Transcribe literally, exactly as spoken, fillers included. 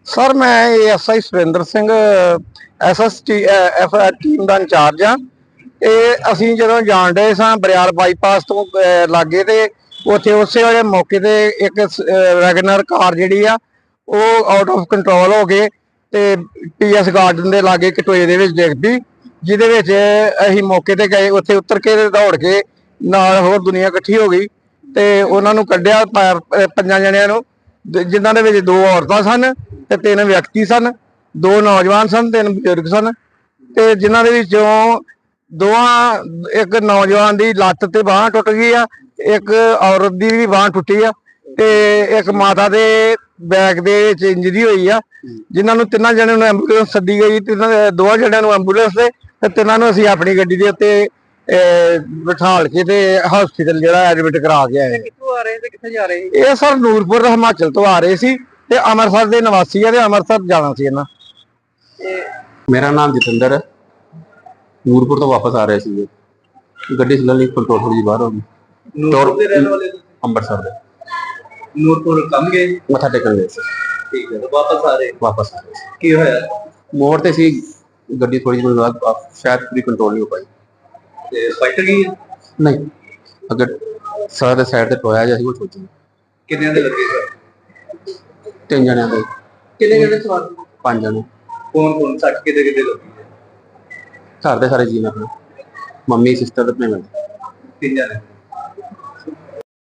Sir ਮੈਂ ASI Surinder Singh SST F team ਦਾ incharge ਆ। ਇਹ ਅਸੀਂ ਜਦੋਂ ਜਾਣ ਡਏ ਸਾਂ ਬਰਿਆਲ ਬਾਈਪਾਸ ਤੋਂ ਅਹ, ਲਾਗੇ ਤੇ ਉੱਥੇ ਉਸੇ ਵੇਲੇ ਮੌਕੇ ਤੇ ਇੱਕ ਵੈਗਨਰ ਕਾਰ ਜਿਹੜੀ ਆ ਉਹ ਆਊਟ ਆਫ ਕੰਟਰੋਲ ਹੋ ਗਏ ਤੇ ਪੀਐਸ ਗਾਰਡਨ ਦੇ ਲਾਗੇ ਕਟੋਏ ਦੇ ਵਿੱਚ ਡਿੱਗ ਪਈ, ਜਿਹਦੇ ਵਿੱਚ ਅਸੀਂ ਮੌਕੇ ਤੇ ਗਏ। ਉੱਥੇ ਉਤਰ ਕੇ ਦੌੜ ਕੇ ਨਾਲ ਹੋਰ ਦੁਨੀਆ ਇਕੱਠੀ ਹੋ ਗਈ ਤੇ ਉਹਨਾਂ ਨੂੰ ਕੱਢਿਆ ਪੰਜਾਂ ਜਣਿਆਂ ਨੂੰ, ਜਿਨ੍ਹਾਂ ਦੇ ਵਿੱਚ ਦੋ ਔਰਤਾਂ ਸਨ ਤੇ ਤਿੰਨ ਵਿਅਕਤੀ ਸਨ। ਦੋ ਨੌਜਵਾਨ ਸਨ, ਤਿੰਨ ਬਜ਼ੁਰਗ ਸਨ ਤੇ ਜਿਨ੍ਹਾਂ ਦੇ ਵਿੱਚੋਂ ਦੋਵਾਂ ਇੱਕ ਨੌਜਵਾਨ ਦੀ ਲੱਤ ਤੇ ਬਾਂਹ ਟੁੱਟ ਗਈ ਆ, ਇੱਕ ਔਰਤ ਦੀ ਵੀ ਬਾਂਹ ਟੁੱਟੀ ਆ ਤੇ ਇੱਕ ਮਾਤਾ ਦੇ ਬੈਕ ਦੇ ਵਿੱਚ ਇੰਜਰੀ ਹੋਈ ਆ, ਜਿਨ੍ਹਾਂ ਨੂੰ ਤਿੰਨਾਂ ਜਣਿਆਂ ਨੂੰ ਐਂਬੂਲੈਂਸ ਸੱਦੀ ਗਈ। ਤਿੰਨਾਂ ਦੋਵਾਂ ਜਣਿਆਂ ਨੂੰ ਐਂਬੂਲੈਂਸ ਤੇ ਤਿੰਨਾਂ ਨੂੰ ਅਸੀਂ ਆਪਣੀ ਗੱਡੀ ਦੇ ਉੱਤੇ ਬਿਠਾਲ ਕੇ ਤੇ ਹਸਪੀਟਲ ਜਿਹੜਾ ਐਡਮਿਟ ਕਰਾ ਕੇ ਆਏ। ਕਿੱਥੋਂ ਆ ਰਹੇ ਤੇ ਕਿੱਥੇ ਜਾ ਰਹੇ? ਇਹ ਸਰ ਨੂਰਪੁਰ ਹਿਮਾਚਲ ਤੋਂ ਆ ਰਹੇ ਸੀ ਤੇ ਅੰਮ੍ਰਿਤਸਰ ਦੇ ਨਿਵਾਸੀ ਆ ਤੇ ਅੰਮ੍ਰਿਤਸਰ ਜਾਣਾ ਸੀ ਇਹਨਾਂ। ਮੇਰਾ ਨਾਮ ਜਤਿੰਦਰ ਹੈ। ਨੂਰਪੁਰ ਤੋਂ ਵਾਪਸ ਆ ਰਹੇ ਸੀ, ਗੱਡੀ ਸਲਨਲੀ ਕੰਟਰੋਲ ਥੋੜੀ ਜਿਹੀ ਬਾਹਰ ਹੋ ਗਈ। ਨੂਰਪੁਰ ਦੇ ਰਹਿਣ ਵਾਲੇ ਤੁਸੀਂ? ਅੰਮ੍ਰਿਤਸਰ ਦੇ। ਨੂਰਪੁਰ ਕੰਮ ਗਏ? ਮੱਥਾ ਟੇਕਣ ਗਏ ਸੀ। ਠੀਕ ਹੈ, ਵਾਪਸ ਆ ਰਹੇ? ਵਾਪਸ ਆ ਰਹੇ ਸੀ। ਕੀ ਹੋਇਆ? ਮੋੜ ਤੇ ਸੀ ਗੱਡੀ, ਥੋੜੀ ਜਿਹੀ ਬਾਅਦ ਸ਼ਾਇਦ ਪੂਰੀ ਕੰਟਰੋਲ ਨਹੀਂ ਹੋ ਪਾਈ ਤੇ ਫਾਈਟਰ ਗਈ? ਨਹੀਂ, ਅਗਰ ਸਾਰਾ ਦੇ ਸਾਈਡ ਤੇ ਟੋਇਆ ਜਿਹਾ ਸੀ ਉਹ ਸੋਚੀ। ਕਿੰਨਿਆਂ ਦੇ ਲੱਗੇ ਸਰ? ਤਿੰਨ ਜਣਿਆਂ ਦੇ। ਕਿੰਨੇ ਜਣੇ ਸਵਾਰ? ਪੰਜ ਜਣੇ। ਕੌਣ ਕੌਣ? ਸੱਟ ਕਿਤੇ ਕਿਤੇ ਲੱਗੀ ਹੈ? ਘਰ ਦੇ ਸਾਰੇ ਜੀਅ ਨੇ ਆਪਣੇ, ਮੰਮੀ ਸਿਸਟਰ ਤੇ ਭੈਣ। ਤਿੰਨ ਜਣੇ।